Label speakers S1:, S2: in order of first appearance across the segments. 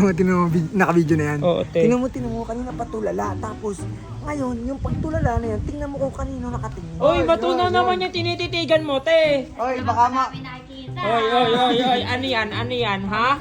S1: mo, naka-video na yan.
S2: Oo, te.
S1: Tingnan mo, kanina patulala. Tapos, ngayon, yung pagtulala na yan, tingnan mo kung kanino nakatingin.
S2: Uy, matunaw naman yung tinititigan mo, te.
S1: Oy, baka ma...
S2: Oy, ano yan, ha?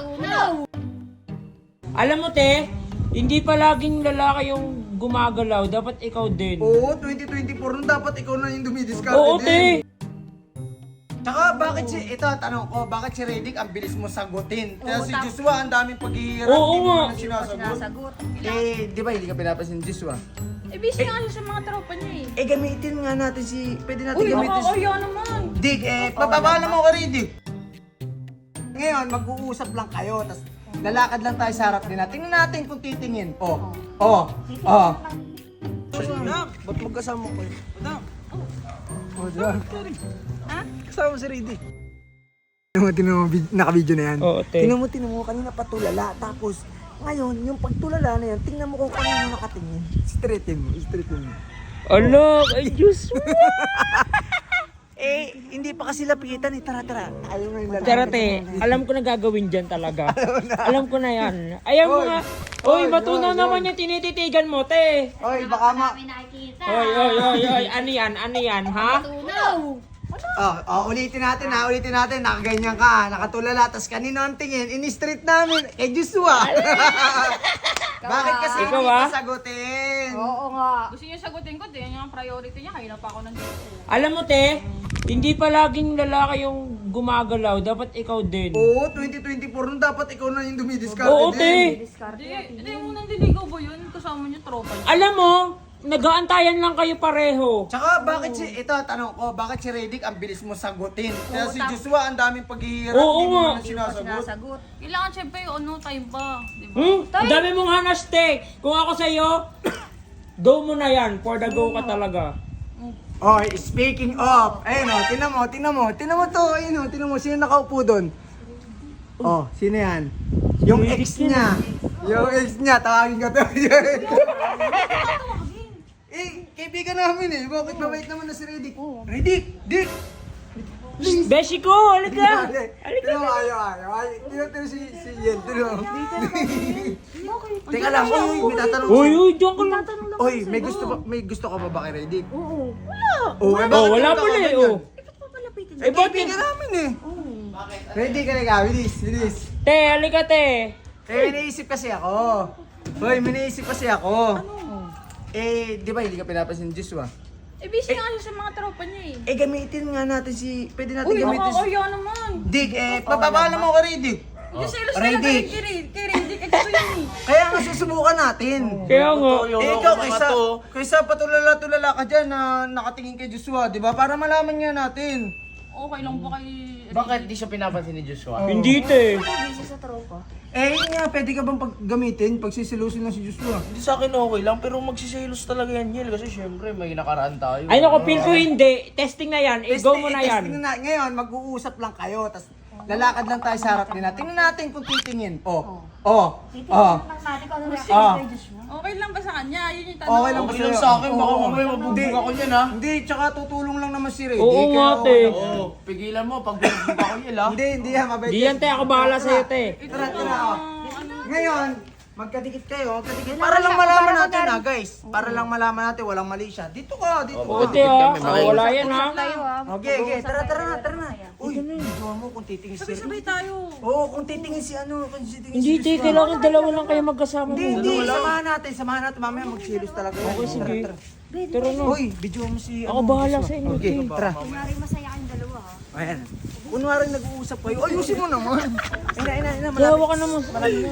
S2: Alam mo, te, hindi pa laging lalaki yung gumagalaw. Dapat ikaw din.
S1: Oo, 2024 nun dapat ikaw na yung dumidiskarte
S2: Oo,
S1: din.
S2: te.
S1: Tsaka bakit ito tanong ko, bakit si Redick ang bilis mo sagutin? Kaya si Joshua ang daming paghihirap,
S2: Oo
S1: hindi mo
S2: nga.
S1: na sinasagot.
S3: Sagot.
S1: Di ba hindi ka pinapansin ni Joshua?
S3: Eh, busy nga siya sa mga tropa niya eh.
S1: Gamitin nga natin pwede natin
S3: Uy,
S1: gamitin
S3: nakakaya naman.
S1: Dick, papabala mo ka Redick. Ngayon, mag-uusap lang kayo, tas lalakad lang tayo sa harap nila. Tingnan natin kung titingin. Ba't magkasama ko yun? Diyan.
S3: Ha?
S1: Kasama si Redick. Tingnan mo, naka-video na yan.
S2: Oo, te.
S1: Tingnan mo, kanina patulala. Tapos, ngayon, yung pagtulala na yan, tingnan mo kung kanino nakatingin. Straighten mo.
S2: Alok, ay Diyos mo.
S1: Hindi pa kasi lapitan eh. Tara. Ayaw na yung lalaki.
S2: Tara, te, alam ko na gagawin dyan talaga. Alam ko na yan. Ayaw mo nga. Uy, matunaw naman yung tinititigan mo, te.
S1: Oy, baka ma...
S2: Oy, ano yan, ha?
S1: Ulitin natin. Nakaganyan ka, nakatulala. Tapos kanino ang tingin? In-street namin. Joshua. Bakit kasi
S2: Ikaw,
S1: hindi
S2: ah?
S1: pa sagutin?
S3: Oo nga.
S4: Gusto niyo sagutin ko, din yung priority niya, kaya pa ako nandito.
S2: Alam mo, te, hindi pa laging lalaki yung gumagalaw. Dapat ikaw din.
S1: Oo, 2024 nun dapat ikaw na yung dumidiskarte
S2: Oo,
S1: din.
S2: te.
S4: Hindi mo nang diligaw ba yun? Kasama niyo tropa niyo.
S2: Alam mo, nag-aantayan lang kayo pareho.
S1: Tsaka bakit ito tanong ko, bakit si Redick ang bilis mo sagutin? Kaya si Joshua ang daming paghihirap,
S2: Oo
S1: hindi mo
S2: nga.
S1: na sinasagot.
S3: Sinasagot.
S4: Kailangan syempre yung time pa. Diba?
S2: Ang dami mong hanas, te. Kung ako sa'yo, go mo na yan. For the go ka talaga.
S1: Oh, speaking of, ayun o, tinan mo to, ayun o, tinan mo, sino nakaupo doon? Oh, sino yan? Yung ex niya. Tawagin ko to. Kaibigan namin eh, bakit mabait naman na si Redick? Dick!
S2: Beshi ko, halika.
S1: Tinan mo, ayaw. Tinan si Yen, tinan mo. Teka lang, may tatanong
S2: Uy, diyan ka lang.
S1: Oy, may gusto ka ba ba kay Redick?
S3: Oo.
S1: Oh,
S2: Wala pala eh, oh.
S3: Papalapitin.
S2: Eh, ba't
S1: Kaibigan namin eh. Ready ka na bilis.
S2: Te, halika, te.
S1: May naisip kasi ako. Di ba hindi ka pinapansin ni Joshua?
S4: Eh, busy nga siya sa mga tropa niya eh.
S1: Gamitin nga natin pwede natin
S4: Uy,
S1: gamitin
S4: nakakaya naman.
S1: Dick, papabala mo ka Redick.
S4: Hindi selos
S1: Ready.
S4: talaga kay Redick. Eh, gusto yun eh.
S1: Kaya nga susubukan natin.
S2: Kaya nga.
S1: Ikaw, kaysa patulala-tulala ka dyan na nakatingin kay Joshua, di ba? Para malaman nga natin.
S4: Okay lang ba kay
S5: Bakit di siya pinapansin ni Joshua?
S2: Hindi, te.
S3: Busy sa tropa.
S1: Yun nga, pwede ka bang gamitin pag sisilusin lang si Joshua?
S5: Hindi sa akin okay lang, pero magsiselos talaga yan, Yel. Kasi syempre, may nakaraan tayo.
S2: Ay, naku, feel ko hindi. Testing na yan. Go mo na yan.
S1: Testing na. Ngayon, mag-uusap lang kayo, tas lalakad lang tayo sa harap nila. Tingnan natin kung titingin.
S4: Okay lang ba sa kanya? Yun yung tanong.
S1: Okay lang ba
S5: Okay lang
S1: sa'yo?
S5: sa akin, baka
S1: Oo.
S5: mamaya mabubog ako niyan, ha?
S1: Hindi, tsaka tutulong lang naman si Redick.
S2: Oo nga,
S1: Kaya
S2: te.
S5: Oo, pigilan mo, pag bubog ako, Yel, ha?
S1: Hindi yan, mabait.
S2: Di yan, te. Ako bahala sa'yo, te.
S1: Tara. Ngayon, magkadikit kayo, Para lang malaman natin ha, guys. Para lang malaman natin, walang mali siya. Dito ka.
S2: Oo, te, ha. Wala yan, ha.
S3: Tayo ah.
S1: Okay. Tara na. Uy, jowa mo kung titingin si
S4: Sabay tayo.
S1: Oo, kung titingin si
S2: Hindi, te. Kailangan dalawa lang kayo magkasama mo.
S1: Hindi. Samahan natin. Mamaya magsilos talaga. Okay,
S2: sige. Tara na.
S1: Uy, video mo si...
S2: Ako bahala sa inyo,
S1: Okay,
S2: te.
S1: tara.
S3: Kunyari masaya kayong dalawa ah.
S1: Ayan. Kunwari nag-uusap kayo. Ayusin mo naman. Ina.
S2: Gawa ka naman.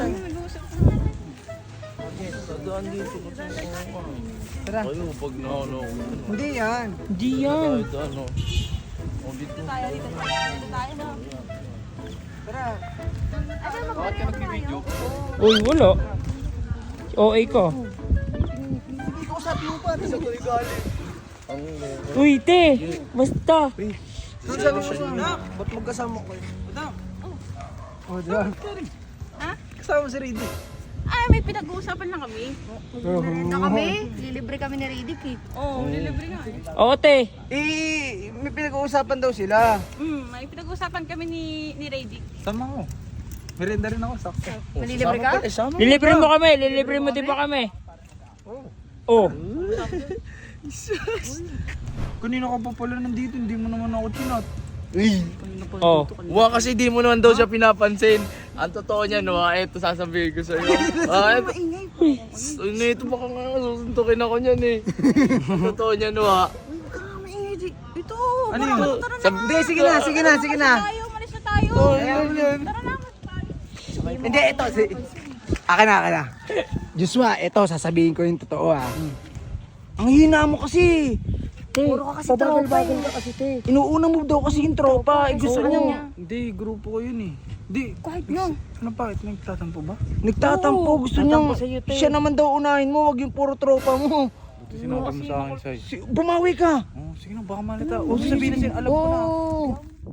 S5: Sadaan dito.
S1: Tara.
S5: Kayo, pag na-ano.
S1: Hindi yan.
S2: Hindi yan.
S5: Ito, ano. O, dito.
S1: Tara.
S5: Bakit ka nagbibideo?
S2: Uy, wala. OA ka.
S1: Hindi ko sabi mo pa. Sa tuloy galing.
S2: Uy, te. Basta.
S1: Doon sabi mo sa ba't magkasama ko yun? Oh, diyan.
S4: Ha?
S1: Kasama si Redick.
S4: Ay, may pinag-uusapan lang kami.
S3: Na kami, lilibre kami ni Redick eh.
S4: Oo, nilibre nga eh.
S2: Oo, te.
S1: May pinag-uusapan daw sila.
S4: May pinag-uusapan kami ni Redick.
S1: Tama mo.
S6: Merenda rin ako, sakto.
S3: Malilibre ka?
S2: Lilibre mo kami, lilibre mo din pa kami. Oh.
S6: Kanina ka pa pala nandito, hindi mo naman ako chinat.
S2: Oh.
S5: Wa kasi di mo naman daw siya pinapansin. Ang totoo niya, no, eto sasabihin ko sa'yo. Eto. Ano ito, baka nga susuntukin ako niyan eh. Ang totoo niya, no,
S3: Ito.
S6: Ano yun?
S1: Hindi, sige na.
S4: Tayo, malis na tayo. Tara na.
S1: Hindi, ito. Akin na. Joshua, ito, sasabihin ko yung totoo ah. Ang hina mo kasi. Puro ka kasi tropa eh. Inuuna mo daw kasi yung tropa. Gusto niya.
S6: Hindi, grupo ko yun eh. Hindi.
S3: Kahit yun.
S6: Ano bakit? Nagtatampo ba?
S1: Nagtatampo. Gusto niya. Siya naman daw unahin mo. Wag yung puro tropa mo.
S6: Sinabi mo sa akin, Sai.
S1: Bumawi ka.
S6: Oh, sige na, baka malita. Huwag sabihin na alam ko na.
S1: Oo.